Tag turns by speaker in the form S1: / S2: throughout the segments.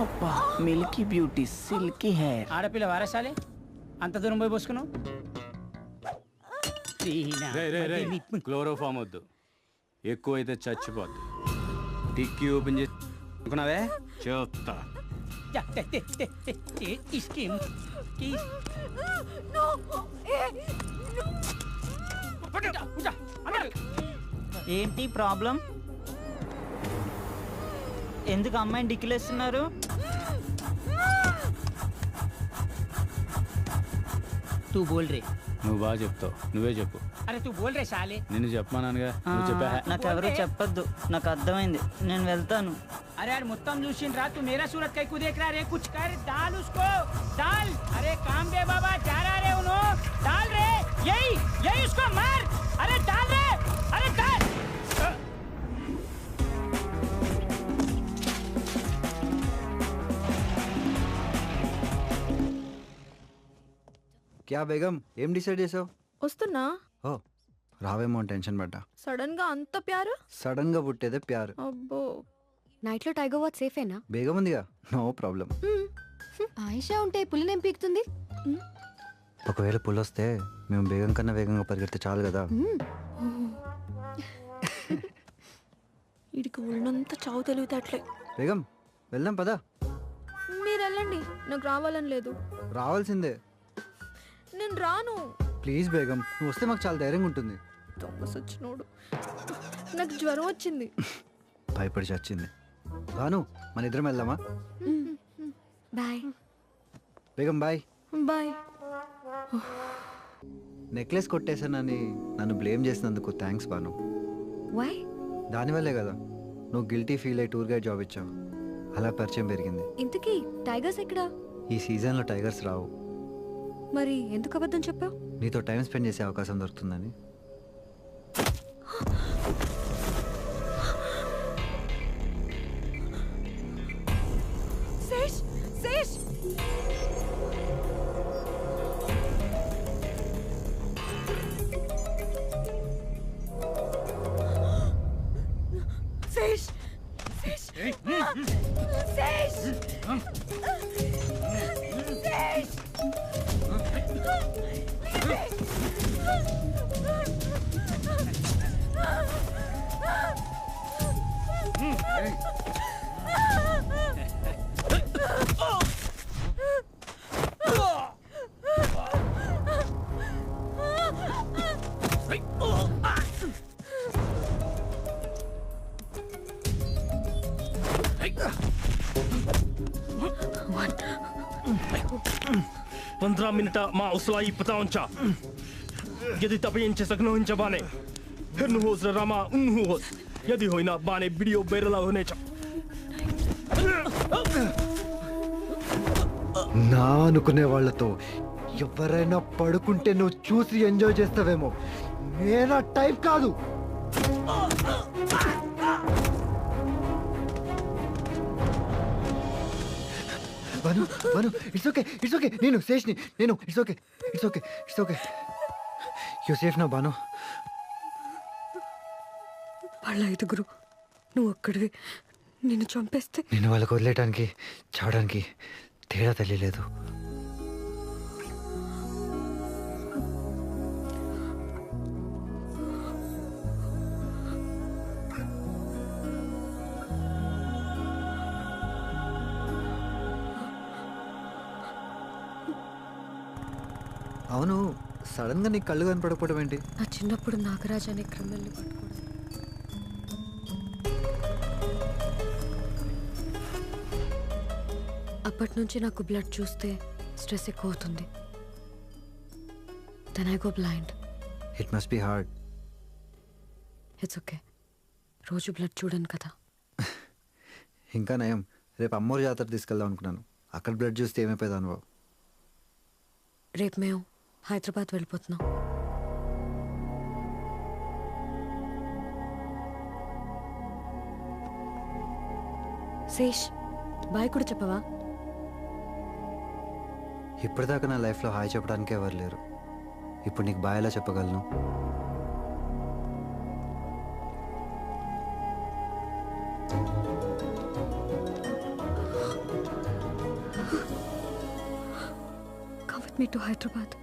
S1: అబ్బా Milky beauty silky hair.
S2: ఆడపిల్ల వారసాలే అంత దూరం పోయి పోసుకున్నావు.
S3: క్లోరోఫామ్ వద్దు, ఎక్కువైతే చచ్చిపోద్ది. టిక్కీ ఓపెన్ చేసుకున్నావే చెప్తా.
S1: ఏంటి ప్రాబ్లం? ఎందుకు అమ్మాయిని డిక్కిలేస్తున్నారు?
S2: తూ బోల్ రే.
S3: నువ్వు బాగా చెప్తావు, నువ్వే చెప్పు.
S2: అరే తూ బోల్ రే సాలే.
S3: నిన్ను చెప్పమానానుగా, నువ్వు చెప్పా.
S1: నాకు ఎవరు చెప్పొద్దు, నాకు అర్థమైంది, నేను వెళ్తాను.
S2: अरे यार मुत्तम लूसिन रहा, तू मेरा सूरत कहीं को देख रहा रे? कुछ कर, डाल उसको, डाल. अरे काम दे बाबा, जा रहा रे उन्हों, डाल रे. यही यही उसको मार. अरे डाल रे, अरे डाल.
S4: क्या बेगम ఏం డిసైడ్ చేసావు?
S5: వస్తున్నా.
S4: ఓ రావేమో టెన్షన్ పడ్డా.
S5: సడన్ గా అంత ప్యారు?
S4: సడన్ గా పుట్టేదే ప్యారు.
S5: అబ్బో.
S6: నైట్ లో టైగర్ వాచ్ సేఫేనా?
S4: బేగం ఉందిగా, నో ప్రాబ్లం.
S6: ఆయిషా ఉంటే పులినేం పీకుతుంది?
S4: ఒకవేళ పులొస్తే మేము బేగం కన్నా వేగంగా పరిగెడితే చాలు కదా.
S5: వీడికి ఉన్నంత చావు తెలివితేటలే.
S4: బేగం వెళ్దాం పదా.
S5: మీరు వెళ్ళండి, నాకు రావాలని లేదు.
S4: రావాల్సిందే.
S5: నేను రాను.
S4: ప్లీజ్ బేగం, నువ్వు వస్తే మాకు చాలా ధైర్యంగా ఉంటుంది.
S5: దొంగ సచ్చినోడు, నాకు జ్వరం వచ్చింది.
S4: భయపడి చచ్చింది. భాను మన ఇద్దరం వెళ్దామా?
S6: Bye
S4: Begum bye.
S5: Bye.
S4: Necklace కొట్టేశానని నన్ను బ్లేమ్ చేసినందుకు థ్యాంక్స్ భాను.
S6: వై?
S4: దానివల్లే కదా నువ్వు గిల్టీ ఫీల్ అయ్యి టూర్ గైడ్ జాబ్ ఇచ్చావు. అలా పరిచయం పెరిగింది.
S6: ఇంతకీ టైగర్స్ ఎక్కడా?
S4: ఈ సీజన్లో టైగర్స్ రావు.
S6: మరి ఎందుకు అబద్ధం చెప్పావు?
S4: నీతో టైం స్పెండ్ చేసే అవకాశం దొరుకుతుందని.
S5: శేష్, శేష్. శేష్, శేష్. శేష్. శేష్.
S7: पंद्रह मिनट माँ उसलाई पताउंचा यदि तपाईं सक्नुहुन्छ भने हेर्नुहोस् र रमा उन्नुहोस्, यदि होइन भने भिडियो भाइरल हुनेछ.
S4: నా అనుకునే వాళ్ళతో ఎవరైనా పడుకుంటే నువ్వు చూసి ఎంజాయ్ చేస్తావేమో, నేనా టైప్ కాదు. Banu Banu it's okay, it's okay. నేను శేష్ని, నేను it's okay, it's okay, it's okay. You safe నా బాను.
S6: వాళ్ళ ఐదుగురు, నువ్వు ఒక్కడివి, నిన్ను చంపేస్తే
S4: నేను వాళ్ళకి వదిలేయడానికి చావడానికి తేడా తెలియలేదు. అవును, సడన్ గా నీకు కళ్ళు కనపడకపోవడం ఏంటి?
S6: నా చిన్నప్పుడు నాగరాజ్ అనే క్రిమినల్ని పట్టుకోవడం. అప్పటి నుంచి నాకు బ్లడ్ చూస్తే స్ట్రెస్ ఎక్కువ అవుతుంది. Then I go blind.
S4: It must be hard.
S6: It's okay, రోజు బ్లడ్ చూడను కదా.
S4: ఇంకా నయం, రేపు అమ్మోరు జాతర తీసుకెళ్దాం అనుకున్నాను. అక్కడ బ్లడ్ చూస్తే ఏమైపోయేది అనుభవం.
S6: రేపు మేము హైదరాబాద్ వెళ్ళిపోతున్నాం. శేష్, బాయ్ కూడా చెప్పవా?
S4: ఇప్పటిదాకా నా లైఫ్లో హాయ్ చెప్పడానికి ఎవరు లేరు. ఇప్పుడు నీకు బాయ్ ఎలా చెప్పగలను?
S6: Me to Hyderabad.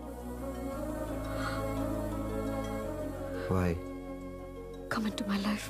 S4: Why?
S6: Come into my life.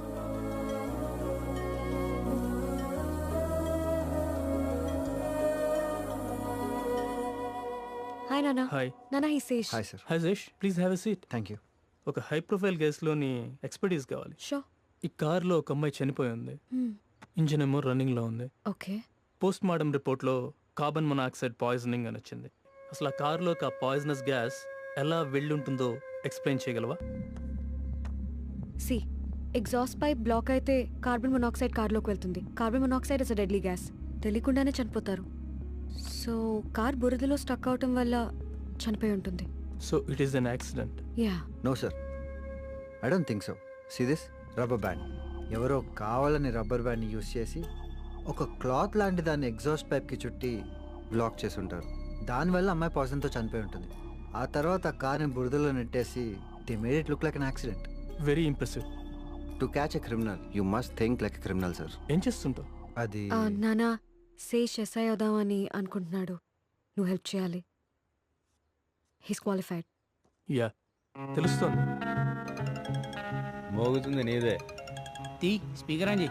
S6: Hi, Nana.
S7: Hi.
S6: Nana, he's Sesh.
S4: Hi, sir.
S7: Hi Zesh, please have a seat.
S4: Thank you.
S7: ఒక హై ప్రొఫైల్ కేసులోని ఎక్స్పర్టీస్ కావాలి.
S6: Sure.
S7: ఈ కార్లో ఒక అమ్మాయి చనిపోయి ఉంది. ఇంజిన్ ఏమో రన్నింగ్లో ఉంది.
S6: Okay.
S7: పోస్ట్ మార్టం రిపోర్ట్లో కార్బన్ మొనాక్సైడ్ పాయిజనింగ్ అని వచ్చింది. అసలు ఆ కార్లోకి ఆ పాయిజనస్ గ్యాస్ ఎలా వెళ్ళుంటుందో ఎక్స్ప్లెయిన్ చేయగలవా?
S6: See, ఎగ్జాస్ట్ పైప్ బ్లాక్ అయితే కార్బన్ మొనాక్సైడ్ కార్లోకి వెళ్తుంది. Carbon monoxide is a deadly gas. తెలియకుండానే చనిపోతారు. సో కార్ బురదలో స్టక్ అవటం వల్ల చనిపోయి ఉంటుంది.
S7: So it is an accident.
S6: Yeah.
S4: No, sir. I don't think so. See this? Rubber band. ఎవరో కావాలని రబ్బర్ బ్యాండ్ని యూస్ చేసి ఒక క్లాత్ లాంటి దాన్ని ఎగ్జాస్ట్ పైప్కి చుట్టి బ్లాక్ చేసి ఉంటారు. దానివల్ల అమ్మాయి పాయిజన్తో చనిపోయి ఉంటుంది. ఆ తర్వాత ఆ కార్ని బురదలో నెట్టేసి they made it look like an accident.
S7: Very impressive.
S4: To catch a criminal you must think like a criminal, sir.
S7: ఏం చేస్తుంటావు?
S4: అది
S6: నానా శేష్ ఎస్ఐ అవుదామని అనుకుంటున్నాడు. నువ్వు హెల్ప్ చేయాలి. He's qualified.
S7: యా, తెలుస్తోంది.
S3: మోగుతుంది నీదే.
S2: తీ స్పీకర్ అని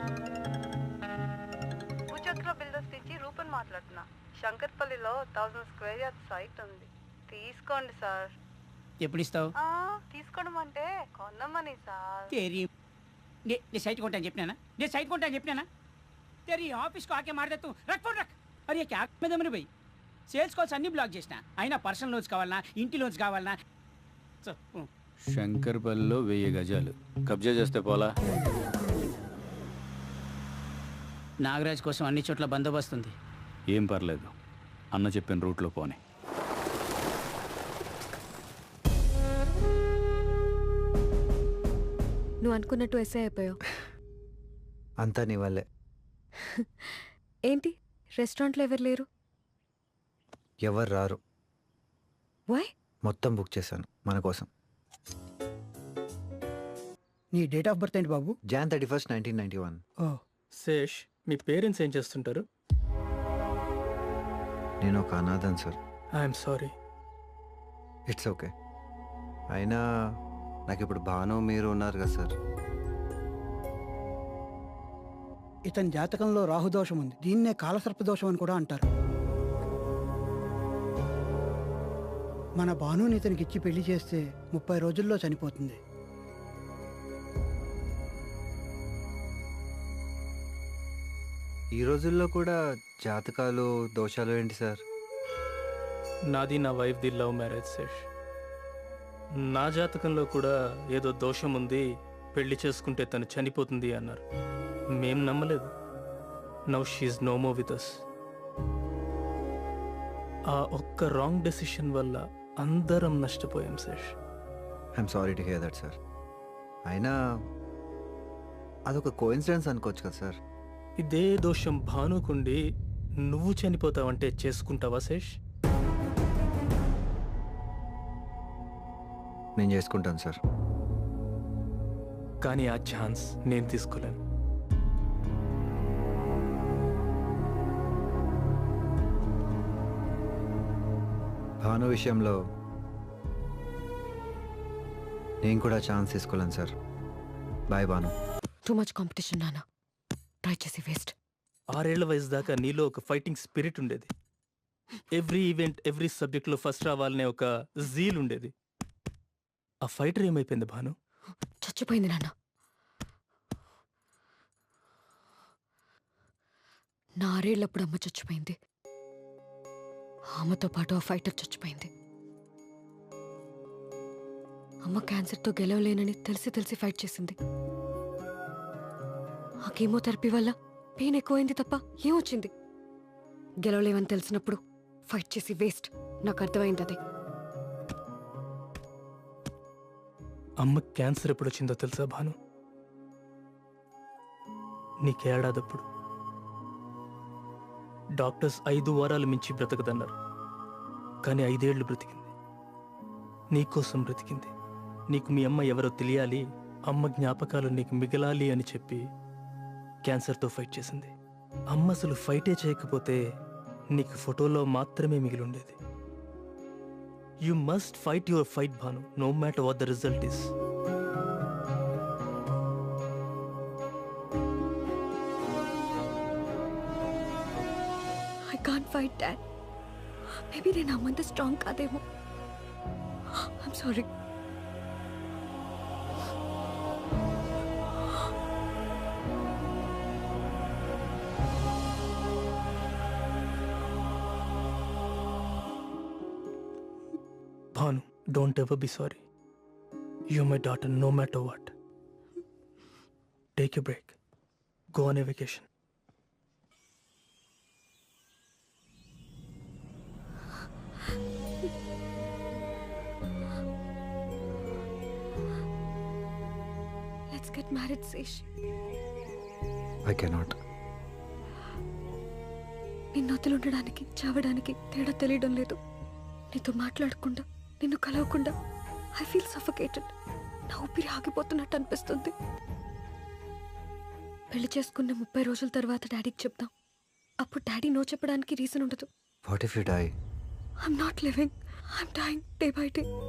S8: భూచక్ర బిల్డర్స్ నుంచి రూపన్ మాట్లాడుతున్నా. శంకర్పల్లిలో 1000 స్క్వేర్ యార్డ్ సైట్ ఉంది. తీసుకోండి సార్.
S2: ఎప్పుడు ఇస్తావు?
S8: తీసుకోవడం అంటే కొన్నమని సార్.
S2: तेरी ने साइट కొంటా చెప్పినానా? నేను సైట్ కొంటా చెప్పినానా? तेरी ఆఫీస్ को आके मार दे तू. रख फोन रख. अरे क्या में दमरे भाई. సేల్స్ కాల్స్ అన్ని బ్లాక్ చేసినా. అయినా పర్సనల్ లోన్స్ కావాలనా, ఇంటి లోన్స్ కావాలనా?
S3: శంకర్పల్లిలో 1000 గజాలు కబ్జా చేస్తే పోలా.
S2: నాగరాజ్ కోసం అన్ని చోట్ల బందోబస్తు ఉంది.
S3: ఏం పర్లేదు, అన్న చెప్పిన రూట్లో పోనీ.
S6: నువ్వు అనుకున్నట్టు ఎస్ఐ అయిపోయావు.
S4: అంతా నీ వల్లే.
S6: ఏంటి రెస్టారెంట్లో ఎవరు లేరు?
S4: ఎవరు రారు.
S6: వై?
S4: మొత్తం బుక్ చేశాను మన కోసం.
S2: నీ డేట్ ఆఫ్ బర్త్ ఏంటి బాబు?
S4: Jan 31st, 1991.
S7: శేష్, మీ పేరెంట్స్ ఏం చేస్తుంటారు?
S4: నేను ఒక అనాథన్, sir.
S7: I'm sorry.
S4: It's okay. అయినా నాకు ఇప్పుడు భాను మీరు ఉన్నారు కదా సార్.
S9: ఇతని జాతకంలో రాహుదోషం ఉంది. దీన్నే కాలసర్ప దోషం అని కూడా అంటారు. మన భానుని ఇతనికి ఇచ్చి పెళ్లి చేస్తే 30 రోజుల్లో చనిపోతుంది.
S4: ఈ రోజుల్లో కూడా జాతకాలు దోషాలు ఏంటి సార్?
S7: నాది నా వైఫ్ది లవ్ మ్యారేజ్ శేష్. నా జాతకంలో కూడా ఏదో దోషం ఉంది, పెళ్లి చేసుకుంటే తను చనిపోతుంది అన్నారు. మేం నమ్మలేదు. Now she's no more with us. ఆ ఒక్క రాంగ్ డెసిషన్ వల్ల అందరం నష్టపోయాం Sesh.
S4: I'm sorry to hear that sir. అయినా అదొక కోఇన్సిడెన్స్ అనుకోవచ్చు కదా సార్.
S7: ఇదే దోషం భానుకుండి నువ్వు చనిపోతావంటే చేసుకుంటావా శేష్?
S4: నేను చేసుకుంటాను సార్.
S7: కానీ ఆ ఛాన్స్ నేను తీసుకోలేను.
S4: భాను విషయంలో నేను కూడా ఛాన్స్ తీసుకోలేను sir. Bye Bhanu.
S6: Too much competition నానా. ట్రై చేసి వేస్ట్.
S7: 6 ఏళ్ల వయసు దాకా నీలో ఒక ఫైటింగ్ స్పిరిట్ ఉండేది. ఎవ్రీ ఈవెంట్, ఎవ్రీ సబ్జెక్ట్లో ఫస్ట్ రావాలనే ఒక జీల్ ఉండేది. ఆ ఫైటర్ ఏమైపోయింది భాను?
S6: చచ్చిపోయింది నాన్న. నా 6 ఏళ్ళప్పుడు అమ్మ చచ్చిపోయింది. అమ్మతో పాటు ఆ ఫైటర్ చచ్చిపోయింది. అమ్మ క్యాన్సర్తో గెలవలేనని తెలిసి ఫైట్ చేసింది. ఆ కీమోథెరపీ వల్ల పెయిన్ ఎక్కువైంది తప్ప ఏమొచ్చింది? గెలవలేవని తెలిసినప్పుడు ఫైట్ చేసి వేస్ట్. నాకు అర్థమైంది అదే.
S7: అమ్మ క్యాన్సర్ ఎప్పుడు వచ్చిందో తెలుసా భాను? నీకేడాదప్పుడు. డాక్టర్స్ 5 వారాలు మించి బ్రతకదన్నారు. కానీ 5 ఏళ్లు బ్రతికింది. నీకోసం బ్రతికింది. నీకు మీ అమ్మ ఎవరో తెలియాలి, అమ్మ జ్ఞాపకాలు నీకు మిగలాలి అని చెప్పి క్యాన్సర్తో ఫైట్ చేసింది. అమ్మ అసలు ఫైటే చేయకపోతే నీకు ఫోటోలో మాత్రమే మిగిలి ఉండేది. You must fight your fight, Bhanu, no matter what the result is.
S6: I can't fight Dad. Maybe నేను అమ్మంత స్ట్రాంగ్ కాదేమో. I'm sorry.
S7: Bhanu, don't ever be sorry. You're my daughter no matter what. Take a break. Go on a vacation.
S6: Let's get married, Sesh.
S4: I cannot.
S6: నిన్ను వదిలుండడానికి చావడానికి తేడా తెలియడం లేదు. నీతో మాట్లాడకుండా నిన్ను కలవకుండా ఐ ఫీల్ సఫకేటెడ్. నా ఊపిరి ఆగిపోతున్నట్టు అనిపిస్తుంది. పెళ్లి చేసుకున్న 30 రోజుల తర్వాత డాడీకి చెప్దాం. అప్పుడు డాడీ నో చెప్పడానికి రీజన్ ఉండదు.
S4: What if you die?
S6: I'm not living, I'm dying day by day.